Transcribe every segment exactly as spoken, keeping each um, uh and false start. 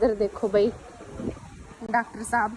ਇੱਧਰ ਦੇਖੋ ਬਈ ਡਾਕਟਰ ਸਾਹਿਬ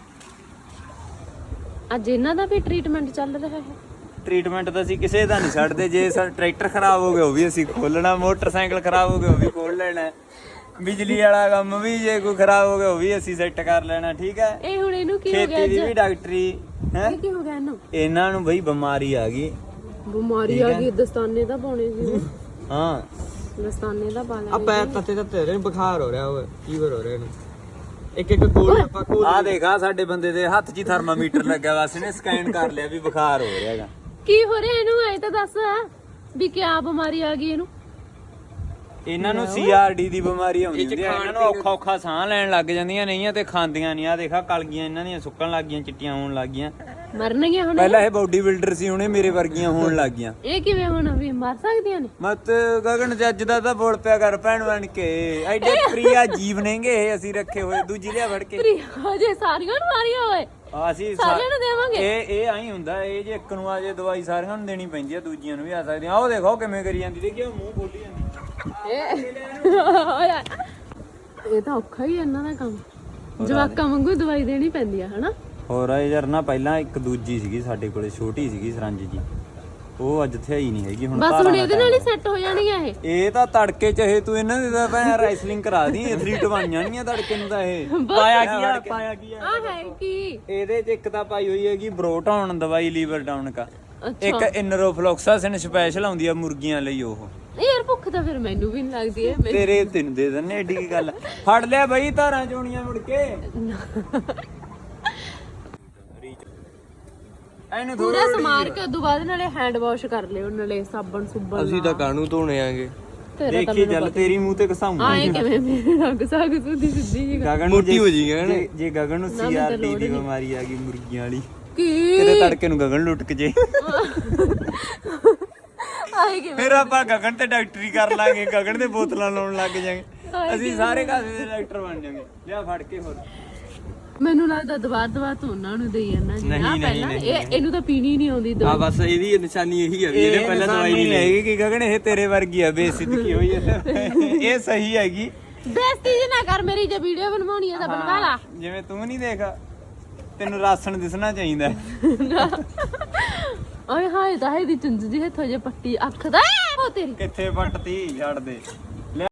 ਅੱਜ ਇਹਨਾਂ ਦਾ ਵੀ ਟ੍ਰੀਟਮੈਂਟ ਚੱਲ ਰਿਹਾ ਹੈ। ਟ੍ਰੀਟਮੈਂਟ ਤਾਂ ਅਸੀਂ ਕਿਸੇ ਦਾ ਨਹੀਂ ਛੱਡਦੇ। ਜੇ ਸਾਡਾ ਟਰੈਕਟਰ ਖਰਾਬ ਹੋ ਗਿਆ ਉਹ ਵੀ ਅਸੀਂ ਖੋਲਣਾ, ਮੋਟਰਸਾਈਕਲ ਖਰਾਬ ਹੋ ਗਿਆ ਉਹ ਵੀ ਖੋਲ ਲੈਣਾ, ਬਿਜਲੀ ਵਾਲਾ ਕੰਮ ਵੀ ਜੇ ਕੋਈ ਖਰਾਬ ਹੋ ਗਿਆ ਉਹ ਵੀ ਅਸੀਂ ਸੈੱਟ ਕਰ ਲੈਣਾ। ਠੀਕ ਹੈ। ਇਹ ਹੁਣ ਇਹਨੂੰ ਕੀ ਹੋ ਗਿਆ ਖੇਤੀ ਦੀ ਵੀ ਡਾਕਟਰੀ ਹੈ। ਕੀ ਹੋ ਗਿਆ ਇਹਨੂੰ? ਇਹਨਾਂ ਨੂੰ ਬਈ ਬਿਮਾਰੀ ਆ ਗਈ। ਬਿਮਾਰੀ ਆ ਗਈ। ਦਸਤਾਨੇ ਤਾਂ ਪਾਉਣੇ ਸੀ। ਹਾਂ ਦਸਤਾਨੇ ਦਾ ਪਾ ਆ ਪੈਰ ਤੱਤੇ ਤੱਤੇ ਰਹੇ ਬੁਖਾਰ ਹੋ ਰਿਹਾ ਓਏ, ਫੀਵਰ ਹੋ ਰਿਹਾ ਇਹਨੂੰ। ਇੱਕ ਇੱਕ ਕੋਲ ਆਪਾਂ ਕੋਲ ਆ ਦੇਖਾ ਸਾਡੇ ਬੰਦੇ ਦੇ ਹੱਥ 'ਚ ਥਰਮਾਮੀਟਰ ਲੱਗਿਆ ਵਾ, ਅਸੀਂ ਨੇ ਸਕੈਨ ਕਰ ਲਿਆ ਵੀ ਬੁਖਾਰ ਹੋ ਰਿਹਾ ਹੈਗਾ। ਕੀ ਹੋ ਰਿਹਾ ਇਹਨੂੰ? ਐ ਤਾਂ ਦੱਸ ਵੀ ਕਿਆ ਬਿਮਾਰੀ ਆ ਗਈ ਇਹਨੂੰ? ਇਹਨਾਂ ਨੂੰ ਸੀ ਆਰ ਡੀ ਦੀ ਬਿਮਾਰੀ ਆਉਂਦੀ ਹੁੰਦੀ ਹੈ। ਇਹਨਾਂ ਨੂੰ ਔਖਾ ਔਖਾ ਸਾਹ ਲੈਣ ਲੱਗ ਜਾਂਦੀਆਂ ਨਹੀਂ ਆ ਤੇ ਖਾਂਦੀਆਂ ਨਹੀਂ। ਆ ਦੇਖਾ ਕਲਗੀਆਂ ਇਹਨਾਂ ਦੀਆਂ ਸੁੱਕਣ ਲੱਗ ਗਈਆਂ, ਚਿੱਟੀਆਂ ਹੋਣ ਲੱਗ ਗਈਆਂ। ਮਰਨਗੀਆਂ ਹੁਣ? ਪਹਿਲਾਂ ਇਹ ਬਾਡੀ ਬਿਲਡਰ ਸੀ, ਹੁਣ ਇਹ ਮੇਰੇ ਵਰਗੀਆਂ ਹੋਣ ਲੱਗ ਗਈਆਂ। ਇਹ ਕਿਵੇਂ ਹੁਣ ਵੀ ਮਰ ਸਕਦੀਆਂ ਨੇ? ਮਤ ਗਗਨ ਜੱਜ ਦਾ ਤਾਂ ਬੋਲ ਪਿਆ ਕਰ ਭੈਣ ਬਣ ਕੇ। ਐਡੇ ਪ੍ਰਿਆ ਜੀਵ ਨੇਗੇ ਇਹ ਅਸੀਂ ਰੱਖੇ ਹੋਏ। ਦੂਜੀ ਲਿਆ ਫੜ ਕੇ ਹਜੇ ਸਾਰੀਆਂ ਨੂੰ ਮਾਰੀਆਂ ਹੋਏ ਅਸੀਂ ਸਾਰਿਆਂ ਨੂੰ ਦੇਵਾਂਗੇ। ਇਹ ਇਹ ਆਈ ਹੁੰਦਾ। ਇਹ ਜੇ ਇੱਕ ਨੂੰ ਆ ਜੇ ਦਵਾਈ ਸਾਰਿਆਂ ਨੂੰ ਦੇਣੀ ਪੈਂਦੀ ਆ, ਦੂਜੀਆਂ ਨੂੰ ਵੀ ਆ ਸਕਦੀਆਂ। ਆਹ ਦੇਖੋ ਕਿਵੇਂ ਕਰੀ ਜਾਂਦੀ, ਦੇਖਿਓ ਮੂੰਹ ਖੋਲੀ ਜਾਂਦੀ। ਇਹ ਤਾਂ ਔਖਾ ਹੀ ਇਹਨਾਂ ਦਾ ਕੰਮ। ਜਵਾਕਾਂ ਵਾਂਗੂ ਦਵਾਈ ਦੇਣੀ ਪੈਂਦੀ ਆ ਹਨਾ। ਹੋਰ ਯਾਰ ਨਾ ਪਹਿਲਾਂ ਇੱਕ ਦੂਜੀ ਸੀਗੀ ਸਾਡੇ ਕੋਲੇ, ਛੋਟੀ ਸੀਗੀ ਸਰੰਜ ਜੀ, ਉਹ ਅੱਜ ਇੱਥੇ ਹੀ ਨਹੀਂ ਹੈਗੀ। ਹੁਣ ਬਸ ਹੁਣ ਇਹਦੇ ਨਾਲ ਹੀ ਸੈੱਟ ਹੋ ਜਾਣਗੀਆਂ ਇਹ। ਇਹ ਤਾਂ ਤੜਕੇ ਚਾਹੇ ਤੂੰ ਇਹਨਾਂ ਦੇ ਤਾਂ ਭੈਣ ਰੈਸਲਿੰਗ ਕਰਾ ਦੀ, ਐਥਲੀਟ ਬਣ ਜਾਣੀਆਂ ਤੜਕੇ ਨੂੰ ਤਾਂ ਇਹ। ਪਾਇਆ ਕੀ ਆ ਪਾਇਆ ਕੀ ਆ ਆ ਹੈ ਕੀ ਇਹਦੇ ਚ ਇੱਕ ਤਾਂ ਪਾਈ ਹੋਈ ਹੈਗੀ ਬਰੋਟਾਉਣ ਦਵਾਈ, ਲੀਵਰ ਡਾਊਨ ਕਾ। ਇੱਕ ਇਨਰੋਫਲੋਕਸਾਸਿਨ ਸਪੈਸ਼ਲ ਆਉਂਦੀ ਆ ਮੁਰਗੀਆਂ ਲਈ। ਉਹ ਯਾਰ ਭੁੱਖ ਤਾਂ ਫਿਰ ਮੈਨੂੰ ਵੀ ਨਹੀਂ ਲੱਗਦੀ ਹੈ। ਤੇਰੇ ਤੈਨੂੰ ਦੇ ਦਿੰਨੇ, ਏਡੀ ਕੀ ਗੱਲ। ਫੜ ਲਿਆ ਬਈ ਧਾਰਾਂ ਚੋਣੀਆਂ ਮੁੜ ਕੇ। ਇਹਨੂੰ ਪੂਰਾ ਸਮਾਰ ਕੇ ਉਦੋਂ ਬਾਅਦ ਨਾਲੇ ਹੈਂਡ ਵਾਸ਼ ਕਰ ਲਿਓ, ਨਾਲੇ ਸਾਬਣ ਸੁਬਣ। ਅਸੀਂ ਤਾਂ ਕਾਹਨੂੰ ਧੋਣੇ ਆਂਗੇ। ਦੇਖੀ ਚੱਲ ਤੇਰੀ ਮੂੰਹ ਤੇ ਘਸਾਊਂ। ਆਏ ਕਿਵੇਂ ਮੇਰੇ ਰੰਗ ਸਾਗ ਸੁੱਧੀ ਸਿੱਧੀ ਜੀ ਗਗਨ ਮੋਟੀ ਹੋ ਜੀ ਗਗਨ। ਜੇ- ਜੇ ਗਗਨ ਨੂੰ ਸੀ ਆਰ ਡੀ ਦੀ ਬਿਮਾਰੀ ਆ ਗਈ ਮੁਰਗੀਆਂ ਵਾਲੀ, ਕੀ ਕਿਤੇ ਤੜਕੇ ਨੂੰ ਗਗਨ ਲੁੱਟ ਕੇ ਜੇ ਆਏ ਕਿਵੇਂ? ਫਿਰ ਆਪਾਂ ਗਗਨ ਤੇ ਡਾਕਟਰੀ ਕਰ ਲਾਂਗੇ, ਗਗਨ ਦੇ ਬੋਤਲਾਂ ਲਾਉਣ ਲੱਗ ਜਾਾਂਗੇ। ਅਸੀਂ ਸਾਰੇ ਕਾਸੇ ਦੇ ਡਾਕਟਰ ਬਣ ਜਾਾਂਗੇ। ਲਿਆ ਫੜ ਕੇ। ਹੋਰ ਮੈਨੂੰ ਲੱਗਦਾ ਦਵਾਰ ਦਵਾਰ ਤੋਂ ਉਹਨਾਂ ਨੂੰ ਦੇਈ ਜਾਂਦਾ ਜੀ। ਨਹੀਂ, ਆ ਨਹੀਂ, ਪਹਿਲਾਂ ਨਹੀਂ, ਇਹ ਇਹਨੂੰ ਤਾਂ ਪੀਣੀ ਨਹੀਂ ਆਉਂਦੀ ਆ ਦਵਾਈ। ਬਸ ਇਹਦੀ ਨਿਸ਼ਾਨੀ ਇਹੀ ਆ ਵੀ ਇਹਨੇ ਪਹਿਲਾਂ ਦਵਾਈ ਨਹੀਂ ਲਈ। ਹੈਗੀ ਕਿ ਗਗਨ ਇਹ ਤੇਰੇ ਵਰਗੀ ਆ, ਬੇਸਿੱਧਕੀ ਹੋਈ ਹੈ। ਇਹ ਸਹੀ ਹੈਗੀ। ਬੇਇੱਜ਼ਤੀ ਜੀ ਨਾ ਕਰ ਮੇਰੀ। ਜੇ ਵੀਡੀਓ ਬਣਵਾਉਣੀ ਹੈ ਤਾਂ ਬਣਵਾ ਲਾ। ਜਿਵੇਂ ਤੂੰ ਨਹੀਂ ਦੇਖ, ਤੈਨੂੰ ਰਾਸਣ ਦਿਸਣਾ ਚਾਹੀਦਾ। ਓਏ ਹਾਏ ਤਾਂ ਇਹਦੀ ਚੁੰਝ ਜੀ ਹੱਥੋਂ ਜੇ ਪੱਟੀ ਅੱਖ ਦਾ ਉਹ ਤੇਰੀ ਕਿੱਥੇ ਪੱਟਤੀ ਛੱਡ ਦੇ।